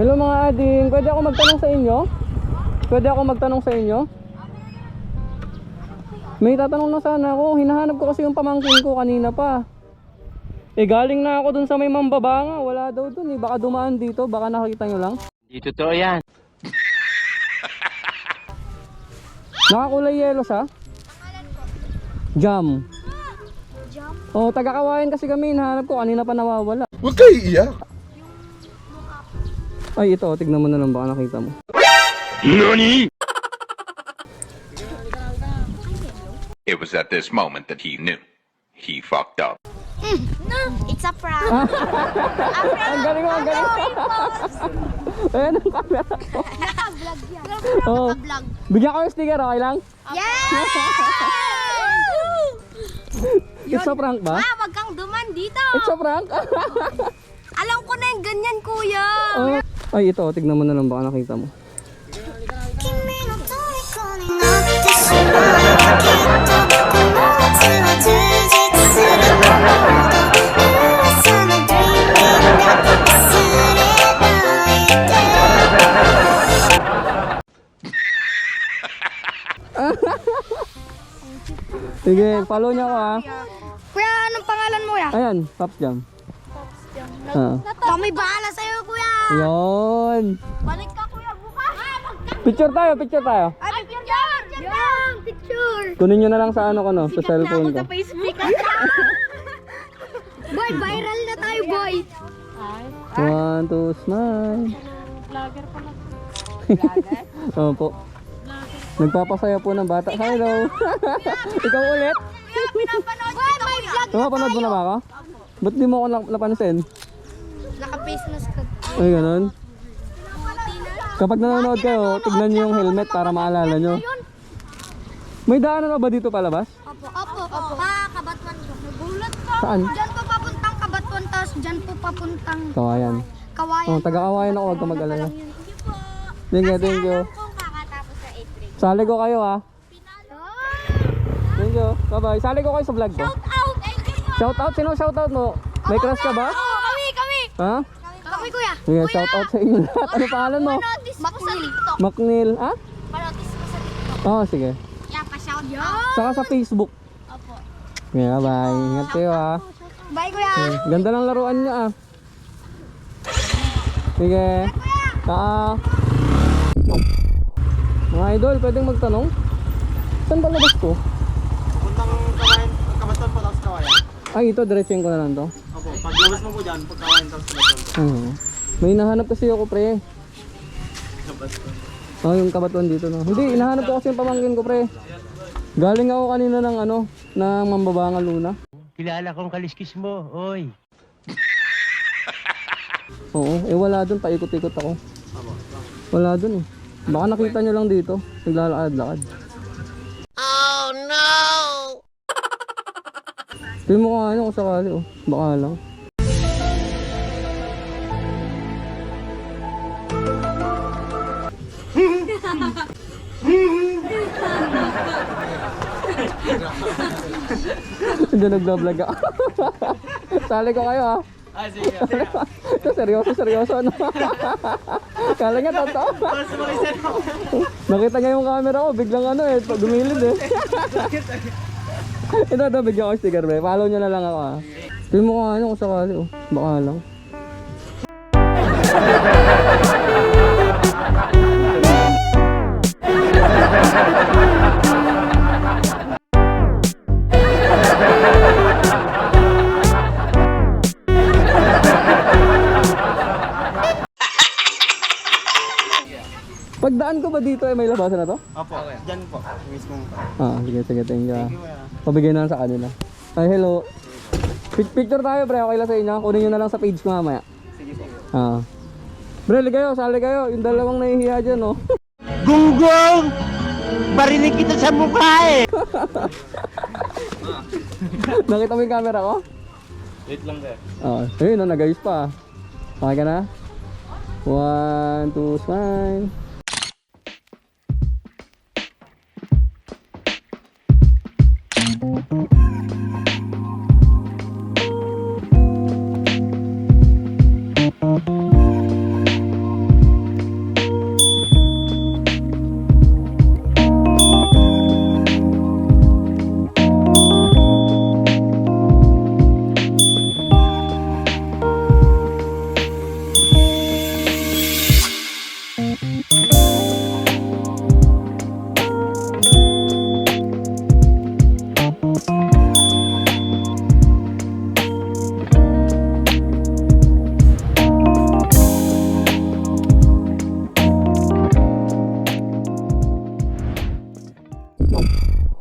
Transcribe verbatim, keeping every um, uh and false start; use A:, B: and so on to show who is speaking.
A: Hello mga ading, pwede ako magtanong sa inyo? Pwede ako magtanong sa inyo? May tatanong na sana ako, hinahanap ko kasi yung pamangkin ko kanina pa. Eh galing na ako dun sa may Mambabanga, wala daw dun eh, baka dumaan dito, baka nakita nyo lang.
B: Hindi totoo yan.
A: Nakakulay yelo siya? Jam.
C: Jam?
A: Oh, taga-Kawayan kasi kami, hinahanap ko, kanina pa nawawala.
D: Huwag kayo iiyak.
A: Ay ito, tignan mo na lang, baka nakita mo.
B: Nani?
E: It was at this moment that he knew. He fucked up.
C: Mm, no, it's a prank. a prank.
A: Ang galing mo, ang galing mo. Ayan ang camera ko.
C: Naka-vlog yan.
A: Oh.
C: Naka-vlog.
A: Bigyan ko yung sticker, okay lang?
C: Yes!
A: It's a prank ba?
C: Ah, wag kang duman dito.
A: It's a prank?
C: Alam ko na yung ganyan, kuya.
A: Oh. Ay ito, tignan mo na lang, baka nakita mo. Sige, follow niyo ako ha.
C: Kuya, anong pangalan mo, ya?
A: Ayan, Pops Jam. Ah.
C: Kami bahala sa'yo, kuya.
A: Yun.
C: Balik ka, kuya, bukas. Ah, magka-
A: Picture tayo, picture tayo.
C: Ay, picture! Yung picture!
A: Kunin nyo na lang sa ano ko no, sa cellphone ko.
C: Facebook. Boy, viral na tayo, boy.
A: One, two, smile.
F: Vlogger pala.
A: Opo. Nagpapasaya po ng bata. Hello. Ikaw ulit?
C: Kuya, pinapanood boy, may vlog na
A: Napapanood mo na ba ako? Ba't di mo ako nap- napansin?
C: Naka-face mask ka.
A: Ay, ganun. Kapag nanonood kayo, tignan nyo yung helmet para maalala nyo. May daanan na ba dito palabas?
C: Opo, opo, opo. Pa, Kabatwan ko. Nagulat ka.
A: Saan?
C: Diyan po papuntang Kabatwan, tapos diyan po papuntang
A: Kawayan.
C: Kawayan.
A: Oh, taga-Kawayan ako, huwag ka mag-alala.
C: Thank you po.
A: Thank you, thank you.
C: Kung kakatapos sa eighth grade.
A: Sali ko kayo ha.
C: Pinalo.
A: Thank you. Bye-bye. Sali ko kayo sa vlog ko.
C: Shout out. Thank you po.
A: Shout out? Sino shout out mo? May crush ka ba?
C: Oo, kami, kami.
A: Ha?
C: Kami, kuya.
A: Sige, shout out sa inyo lahat. Ano pangalan mo?
C: Panotis mo sa TikTok.
A: Macnil. Ha?
C: Panotis mo sa TikTok.
A: Oo, oh, sige.
C: Yeah, pa-shout out.
A: Saka sa Facebook.
C: Opo.
A: Yeah, bye. Ingat kayo ha.
C: Bye, kuya.
A: Okay. Ganda ng laruan niya ah. Sige. Taa. Mga idol, pwedeng magtanong? Saan ba labas ko?
G: Puntang kawayan, Kabaton po tapos kawayan.
A: Ay, ito, diretsuin ko na lang to.
G: Opo, pag labas mo po dyan, pag kawayan tapos Kabaton po.
A: Oo. May hinahanap kasi ako, pre.
G: Kabaton.
A: Oh, yung kabatuan dito no. Hindi, hinahanap ko kasi yung pamangkin ko, pre. Galing ako kanina ng ano, ng Mambabanga Luna.
B: Kilala kong kaliskis mo, oy.
A: Oo, eh wala dun, paikot-ikot ako. Wala dun eh. Baka nakita nyo lang dito, naglalakad-lakad. Oh no! Tingnan mo kung ano kung sakali oh, baka lang. Hindi nagbablog ako. Sali ko kayo ha.
G: Ah, sige.
A: Ito seryoso, seryoso ano. Kala niya totoo. Nakita niya yung camera ko, biglang ano eh, dumilid eh. Ito, ito, bigyan ko sticker be. Follow niyo na lang ako ha. Tingnan mo kung ano kung sakali oh. Baka lang. Pagdaan ko ba dito eh, may labasan na to?
G: Opo, dyan po. Mismo po.
A: Ah, sige, sige, thank you. ah.
G: Thank you, kuya.
A: Pabigay na lang sa kanila. Ay, hello. Pic- Picture tayo, pre. Okay lang sa inyo. Kunin nyo na lang sa page ko mamaya.
G: Sige po.
A: Ah. Pre, ligayo, sali kayo. Yung dalawang nahihiya dyan, oh.
B: Gunggong! Barinig kita sa mukha eh!
A: Nakita mo yung camera ko?
G: Wait lang there.
A: Oo. Oh, ayun, no, nag-ayos pa. Okay ka na? One, two, smile.